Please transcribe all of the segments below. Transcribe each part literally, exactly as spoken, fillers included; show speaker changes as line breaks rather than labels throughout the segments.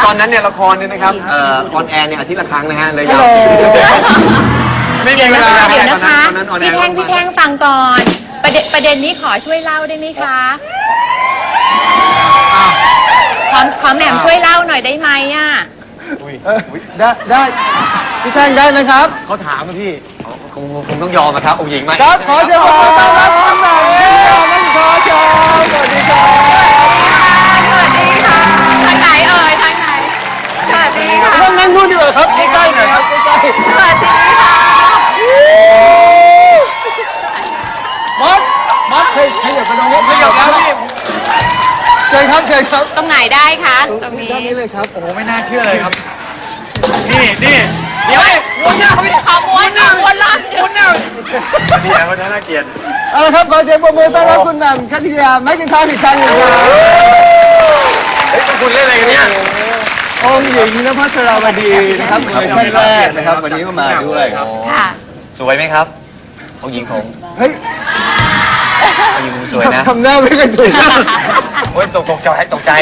ตอนนั้นเนี่ยละครเนี่ยนะครับเอ่อออนแอร์เนี่ยอาทิตย์ละครั้งนะฮะเลยยาวไม่มีเวลา
เดี๋ยวนะคะ
ตอนนั้นออนแอ
พี่
ร์
แท่งพี่แท่งฟังก่อน ประเด็นประเด็นนี้ขอช่วยเล่าได้ไหมคะขอขอแหม่มช่วยเล่าหน่อยได้ไหมอ่ะ
ได้ได้พี่แท่งได้ไหมครับ
เขาถามมาพี่คงคงต้องยอมนะครับองค์หญิงไหม
ครับขอเชิญขอต้อนรับคุณแหม่มนั่นขอเชิญสวัสดีครับ
สวัสดีค่ะทางไหนเอ่ยทางไหนสวัสดีค่ะ
นั่งนั่งนู่นดีกว่าครับใกล้ๆหน่อยครับใกล้
สวัสดีค่ะ
ๆมอสมอสเคยขยับกระดองขยับแล้วพี่เชิญครับเชิญครับ
ตรงไหนได้คะตรงนี้
ด้านนี้เลยครับ
โอ้โหไม่น่าเชื่อเลยครับ นี่นี่เดี๋ยววนหน้าเขาไม่ได้
ขอม้วนหน้าม้วนล่าง
วนหน้า
นี่นะวันนั้นน่าเกลียด
เอาละครับขอเสียงปรบมือต้อนรับคุณแหม่มคัทยาแม็กกินทาร์อีกครั้งหนึ่งครับ
เฮ้ยคุณเล่นอะไรกันเนี่ย
องค์หญิงนภัสราวดีนะครับเวอร์ชันแรกนะครับวันนี้ก็มาด้วย
ค่ะ
สวยไหมครับองค์หญิงผม
เฮ้ย
องค์หญิงผมสวยนะ
ทำหน้าไม่กระจุก
โอ้ยตกตกใจตกใจ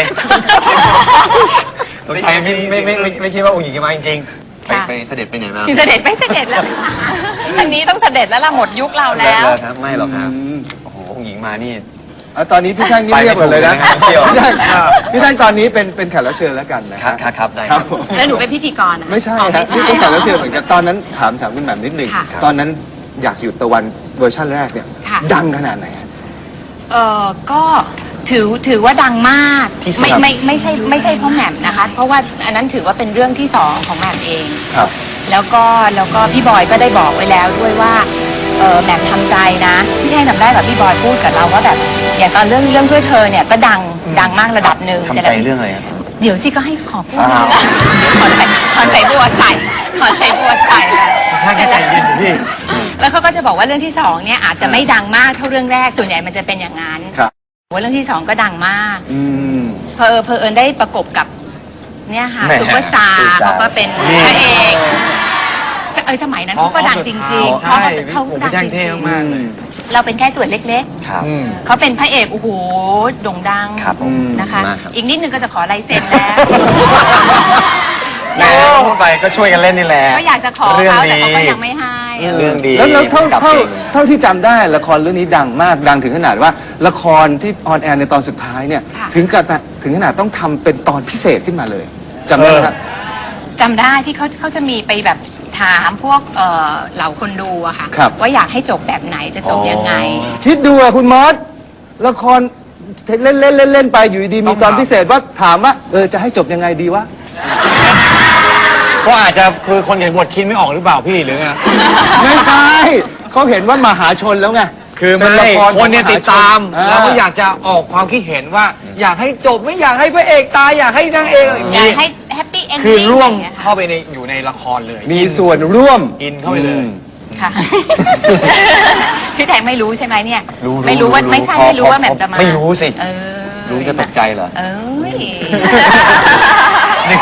ตกใจไม่ไม่ไม่ไม่ไม่คิดว่าองค์หญิงจะมาจริงๆไปไปเสด็จไปไหนมา
เสด็จไม่เสด็จแล้วอันนี้ต้องเสด็จแล้วล่ะหมดยุคเรา
เลิ
แล้ว
กครับไม่หรอกครับโอ้โหองค์หญิงมานี่
เอาตอนนี้พี่แท่งนี่เรียบหมดเลยนะ
ไปไม่ถูกเลยนะเชี่ยว
พี่แท่งพี่แท่งตอนนี้เป็นเป็นแขกรับเชิญแล้วกันนะ
ครับครับครับได้
ค
ค
รั
รั
บบ ผม
แล้วหนูเป็นพิธีกรอะ
ไม่ใช่
อ๋อ
ครับ
ไม่
นี่เป็นแข
ใช่
กรับเชิญเหมือนกันตอนนั้นถามถามคุณแหม่มนิดหนึ่ง
ค่ะ
ตอนนั้นอยากอยู่ตะวันเวอร์ชันแรกเนี่ย
ค่ะ
ดังขนาดไหน
เออก็ถือถือว่าดังมาก
ที่สุด
ไม่ไม่ไม่ใช่ไม่ใช่เพราะแหม่มนะคะ เพราะว่าอันนั้นถือว่าเป็นเรื่องที่สองของแหม่มเอง
ครับ
แล้วก็แล้วก็พี่บอยก็ได้บอกไว้แล้วด้วยว่าเออแหม่มทำใจนะที่แท่งจำได้แบบพี่บอยพูดกับเราว่าแบบอย่างตอนเรื่องเรื่องเพื่อเธอเนี่ยก็ดังดังมากระดับหนึ่ง
ทำ
เสร็จ
ใจ
แล้ว
เรื่องอะไรครับ
เดี๋ยวสิก็ให้ขอพูด
อ้าว
ขอใส่ขอใส่บัวใส่ขอใส่บัวใส่แล้ว
ท่าน
เสร็จ
ใจ
แล้ว
เย็นอยู่พี่
แล้วเขาก็จะบอกว่าเรื่องที่สองเนี่ยอาจจะไม่ดังมากเท่าเรื่องแรกส่วนใหญ่มันจะเป็นอย่างนั้น
ครับ
ว่าเรื่องที่สองก็ดังมาก
อืม
เพอเพอเอิญได้ประกบกับเนี่ยค่ะ
แหม่
ซูเปอร์สตาร์
ซูเปอร์สตาร์
เขาก็เป็นพระเอกเอยสมัยนั้นเขาก็ดังจริงๆ
ใช่
เขาเขา
ผม
ดัง
แจ้ง
จ
เท่
ริง
มากเลย
ๆเราเป็นแค่ส่วนเล็ก
ครับ
อืม
ๆเขาเป็นพระเอกโอ้โหโด่งดัง
ครับผม
นะคะ
มากครับ
อีกนิดนึงก็จะขอลายเซ็นแล้ว
แม่พูดไปก็ช่วยกันเล่นนี่แหละ
ก็อยากจะขอ
เรื่อง
เขาแต่
ดี
เขาก็ยังไม่ให้เออ
เรื่องดี
แล้วแล้วเท่า
กับ
เท่า
เก่ง
เท่าที่จำได้ละครเรื่องนี้ดังมากดังถึงขนาดว่าละครที่ออนแอร์ในตอนสุดท้ายเนี่ย
ค่ะ
ถึงกับถึงขนาดต้องทำเป็นตอนพิเศษขึ้นมาเลยจำได้ไหมครับ
จำได้ที่เขาเขาจะมีไปแบบถามพวกเอ่อเหล่าคนดูอะค่ะ
ครับ
ว่าอยากให้จบแบบไหนจะจบยังไง
คิดดูอะคุณมอสละครเล่นเล่นเล่นเล่นไปอยู่ดีๆมีตอนพิเศษว่าถามว่าเออจะให้จบยังไงดีวะ
ก็อาจจะคือคนเขียนบทคิดไม่ออกหรือเปล่าพี่หรือไง
ไม่ใช่เขาเห็นว่ามหาชนแล้วไง
คือ
เป็
ไม่
นละคร
คนเนี่ยติดตาม
อ่า
แล้วก็อยากจะออกความคิดเห็นว่า อยากให้จบไม่อยากให้พระเอกตายอยากให้นางเอกอะไรอย่าง
อยาก
นี้
ให้แฮปปี้เอนดิ้ง
คือร่วม
ะไอย่างเงี้ย
เข้าไปในอยู่ในละครเลย
มีส่วนร่วม
อินเข้าไปเลย
ค่ะ พี่แทงไม่รู้ใช่ไหมเนี่ย
รู้
ไม่รู้ว่าไม่ใช่
พอ
ไม่รู้
พอ
ว่าแหม่มจะมา
ไม่รู้สิ
เออ
รู้จะตกใจเหรอ
เอ้ย
นี่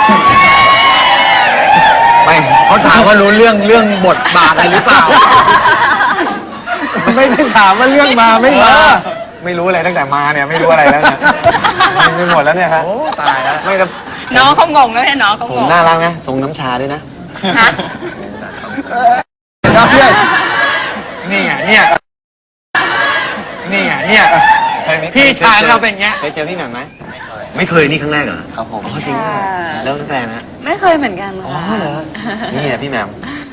ไม่
เขาถามว่ารู้เรื่องเรื่องบทบาทอะไรหรือเปล่า
ไม่ได้ถามว่าเรื่องมาไม่มา
ไม่รู้อะไรตั้งแต่มาเนี่ยไม่รู้อะไรแล้วเนี่ยไม่หมดแล้วเนี่ยฮะ
โอ้ตายแล้ว
ไม่แต่
น้องเขางงแล้วเนี่ยน้องเขา
ผ
ง
ม
ง
น่ารักนะทรงน้ำชาด้วยนะ
ฮะ
ครับเพื่อน
นี่ไงเนี่ยนี่ไงเนี่ย พี่ชายเราเป็นอย่างเงี้ย
เคยเจอพี่หน่อยไหมไม่เคยไม่เคยนี่ครั้งแรกเหรอครับผมอ๋อจริงเหรอแล้วตั้งแต่นะ
ไม่เคยเหมือนกัน
อ๋อ
ค่ะ
เหรอนี่แหละพี่แหมม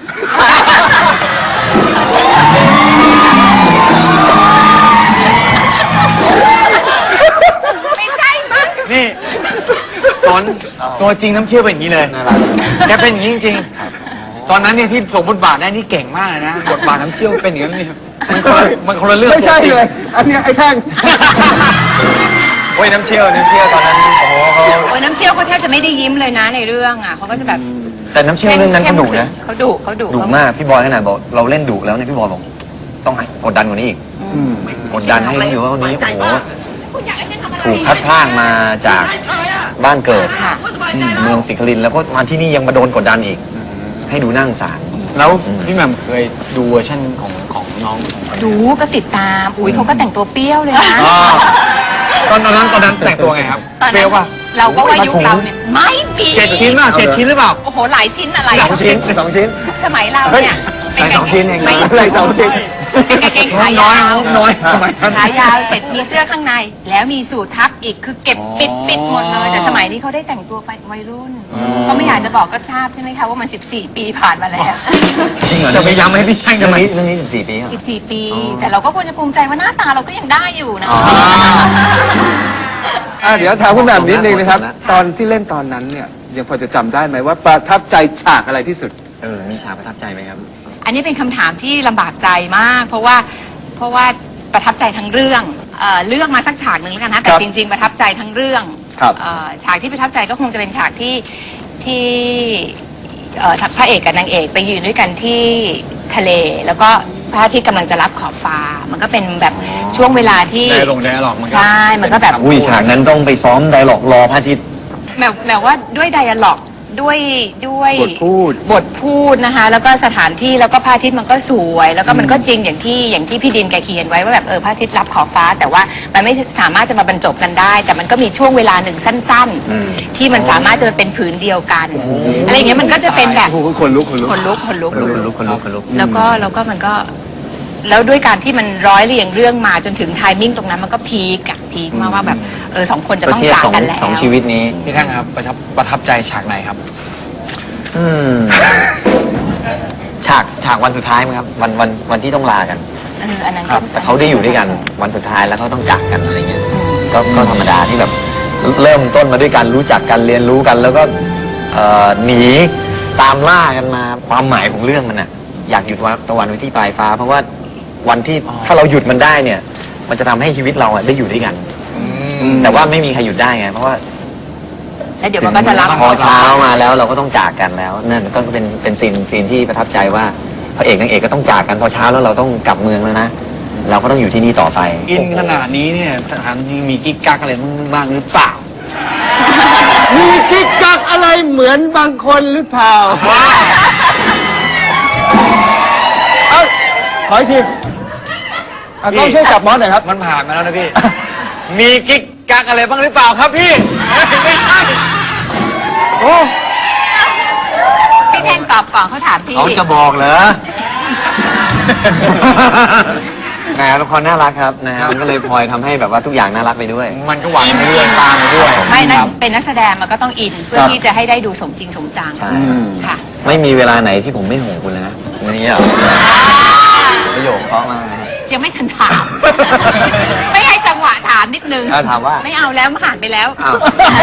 ไม่ใช่มั้ง
นี่สนตัวจริงน้ำเชื่อเป็นอย่างนี้เลย
น่ารัก
แกเป็นอย่างนี้จริงๆตอนนั้นเนี่ยที่สมบทบาทได้นี่เก่งมากนะบทบาทน้ำเชี่ยวเป็นอย่างนั้นนี่มันคนละมันคนละเรื่อง
ไม่ใช่
ตัวจริง
เลย อันเนี้ยไอ้แท่ง
โอ้ยน้ำเชี่ยวน้ำเชี่ยวตอนนั้นโอ้โหเขา
โอ้ยน้ำเชี่ยวเขาแทบจะไม่ได้ยิ้มเลยนะในเรื่องอ่ะเขาก็จะแบบ
แต่น้ำเชี่ยวเรื่องนั้นเขาดุนะ
เขาดุเขาดุ
ดุมากพี่บอยขนาดบอกเราเล่นดุแล้วเนี่ยพี่บอยบอกต้องให้กดดันกว่านี้อีกกดดันให้รู้อยู่ว่าวันนี้โอ้โหถูกพัดพรากมาจากบ้านเกิด
ค่ะ
อืมเมืองศรีครินทร์แล้วก็มาที่นี่ยังมาโดนกดดันอีก ให้ดูน่าสงสาร
แล้วพี่แหม่มเคยดูเวอร์ชันของของน้อง
ดูก็ติดตามอุ้ยเขาก็แต่งตัวเปรี้ยวเลยนะ
อ่าตอนตอนนั้นตอนนั้นแต่งตัวไงครับ
ตอน
เปรี้
นั้
ยวน ป่ะ
เราก็ว่ายุคเราเนี่ยไม่มี
เจ็ดชิ้นป่ะเจ็ดชิ้นหรือเปล่า
โอ้โหหลายชิ้นอะไร
สองชิ้นสองชิ้น
สมัยเราเนี่ย
ใส่สองชิ้นเอง
ไม่
อะไรสองชิ้น
เป็นกางเกงขายาว
น้อยสมัยนั้น
ขายาวเสร็จมีเสื้อข้างใน แล้วมีสูททับอีกคือเก็บปิดปิดหมดเลย แต่สมัยนี้เขาได้แต่งตัวไปวัยรุ่น ก็ไม่อยากจะบอกก็ทราบใช่ไหมคะว่ามัน สิบสี่ ปีผ่านมาแล้ว
จริงเหรอ
จะไปย้ำให้พี่แช่ง
เรื่
ทำ
อง
ไม
นี้เรื่องนี้สิบสี่ปีครับ
สิบสี่ ปี แต่เราก็ควรจะภูมิใจว่าหน้าตาเราก็ยังได้อยู่นะ
อ่ะเดี๋ยวถามคุณแหม่มนิดนึงนะครับ
ผมนะ
ตอนที่เล่นตอนนั้นเนี่ยยังพอจะจำได้ไหมว่าประทับใจฉากอะไรที่สุด
เออมีฉากประทับใจไหมครับ
อันนี้เป็นคำถามที่ลำบากใจมาก เพราะว่าเพราะว่าประทับใจทั้งเรื่องเอ่อเลือกมาสักฉากหนึ่งแล้วกันนะแต่
ครับ
จริง ๆ ประทับใจทั้งเรื่อง
ครับ
เอ่อฉากที่ประทับใจก็คงจะเป็นฉากที่ที่เอ่อพระเอกกับนางเอกไปยืนด้วยกันที่ทะเล แล้วก็พระอาทิตย์กำลังจะรับขอบฟ้า มันก็เป็นแบบช่วงเวลาที่
ได้ลงได้หรอกมันก็
ใช่มันก็แบบ
อุ้ยฉากนั้นต้องไปซ้อมไดร็อกรอพระอาทิตย์
แมวแมวว่าด้วยไดอะล็อกด้วยด้วย
บทพูด
บทพูดนะคะแล้วก็สถานที่แล้วก็พระอาทิตย์มันก็สวย แล้วก็มันก็จริงอย่างที่อย่างที่พี่ดินแกเขียนไว้ว่าแบบเออพระอาทิตย์รับขอบฟ้า แต่ว่ามันไม่สามารถจะมาบรรจบกันได้ แต่มันก็มีช่วงเวลาหนึ่งสั้น
อืม
ๆ ที่มันสามารถจะมาเป็นผืนเดียวกันอะไรอย่างเงี้ยมันก็จะเป็นแบบ
โอ้โหคนลุกคนลุก
คนลุกคนลุก
คนลุกคนลุกคนลุก
แล้วก็แล้วก็มันก็แล้วด้วยการที่มันร้อยเรียงเรื่องมาจนถึงไทมิ่งตรงนั้นมันก็พีกอะพีกมากว่าแบบเออสองคนจะ
ก็
ต้อง
เทียบ
จาก
สอง
กันแล้ว
สองชีวิตนี้
พี่แท่งครับประทับประทับใจฉากไหนครับ
อืมฉากฉากวันสุดท้ายมั้งครับวันวันวันที่ต้องลากัน
เอออันนั้น
ครับ แต่เขาได้อยู่ด้วยกันวันสุดท้ายแล้วเขาต้องจากกันอะไรเงี้ยก็ก็ธรรมดาที่แบบเริ่มต้นมาด้วยกันรู้จักกันเรียนรู้กัน แล้วก็เอ่อหนีตามล่ากันมาความหมายของเรื่องมันอะอยากหยุดวันตะวันไว้ที่ปลายฟ้า เพราะว่าวันที่ถ้าเราหยุดมันได้เนี่ย มันจะทำให้ชีวิตเราอะได้อยู่ด้วยกัน แต่ว่าไม่มีใครหยุดได้ไงเพราะว่า
แล้วเดี๋ยวมันก็จะรับ
พอเช้ามาแล้วเราก็ต้องจากกันแล้วนั่นก็เป็นเป็นซีนซีนที่ประทับใจว่าพระเอกนางเอกก็ต้องจากกันพอเช้าแล้วเราต้องกลับเมืองแล้วนะเราก็ต้องอยู่ที่นี่ต่อไป
อินขนาดนี้เนี่ยถามจริงมีกิ๊กกักอะไรบ้างหรือเปล่า
มีกิ๊กกักอะไรเหมือนบางคนหรือเปล่าเอ้าขออีกทีอ่ะกล้องช่วยจับมอสหน่อยครับ
มันผ่านมาแล้วนะพี่ มีกิ๊กกักอะไรบ้างหรือเปล่าครับพี่ ไม่ใช่
โอ้
พี่แทนตอบก่อนเขาถามพี่
เขาจะบอกเหรอ แหมละครน่ารักครับนะฮะมันก็เลยพลอยทำให้แบบว่าทุกอย่างน่ารักไปด้วย
มันก็หวานไปด้วยตามไปด้วย
ไม่นั่นเป็นนักแสดงมันก็ต้องอินเพื่อที่จะให้ได้ดูสมจริงสมจัง
ใช่
ค่ะ
ไม่มีเวลาไหนที่ผมไม่ห่วงคุณเลยนะวันนี้อ่ะประโยคเพราะมากนะ
ยังไม่ทันถาม ไม่ให้จังหวะถามนิดนึง
อ่ะถามว่า
ไม่เอาแล้วมันผ่านไปแล้ว
อ้าว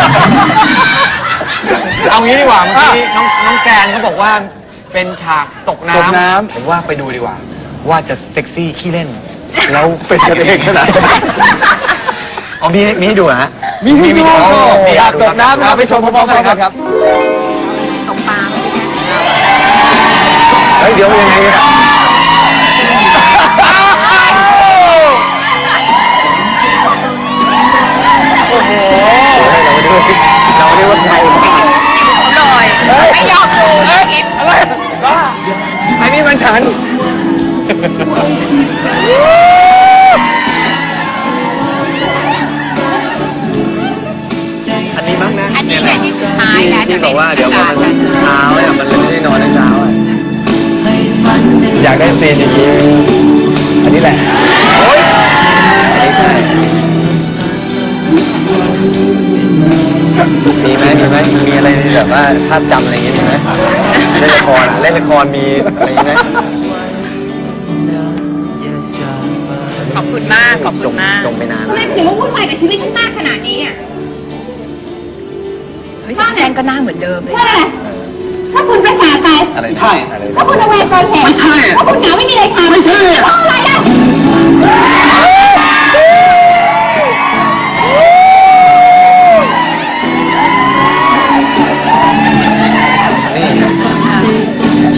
เอางี้ดีกว่าเมื่อกี้น้องน้องแกรนเขาบอกว่าเป็นฉากตกน้
ตกน้ำ
ำผมว่าไปดูดีกว่า ว่าจะเซ็กซี่ขี้เล่น
เราเป็นกันเองขนาดนั้น
อ๋อมีมีให้ดูเหรอฮะ
มีให้ดู
โอ้โห
อยากตกน้ำนะครับไปชมพร้อมๆกันครับ
ตรงปลา
เฮ้ยเดี๋ยวยังไงเนี่ยโอ้โหเราได้ว่าใคร
เลยไม่ยอมดูคลิป
อันนี้มันฉันอันนี้มั้งนะ
อันนี้เนี่ยที่สุดท้ายแล้วจะ
ที่บ
เป็
อน กว่าเดี๋ยวพอมัน
การ
เช้าเนี่ยมันเลยไม่ได้นอนในเช้าอ่ะอยากได้ซีนอย่างนี้อันนี้แหละโอ๊ยอันนี้ใช่มีไหมมีไหมมีอะไรแบบว่าภาพจำอะไรอย่างเงี้ยมีไหมเล่นละครอะเล่นละครมีอะไรอย่างเงี้ย
ขอบคุณมากขอบคุณมาก
จมไปนาน
ทำไมถึงมาวุ่นวายกับชีวิตฉันมากขนาดนี้อ่ะเฮ้ยแทนก็หน้าเหมือนเดิมเลย
ถ้าคุณภาษาไป
อะไรใช่อะไร
ถ้าคุณระแวงก่อนเหตุไม่ใช่ถ้าคุณเหงาไม่มีอะไรทำไม่ใช่เพราะอะไรล่ะ
นี่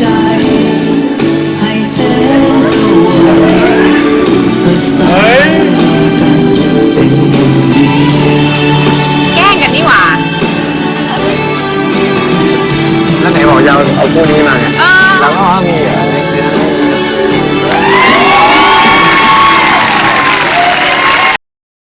แกล้งกันนี่หว่า
แล้วไหนบอกจะเอาเอาคู่นี้มาไง
เออ
แล้วก็มีเหร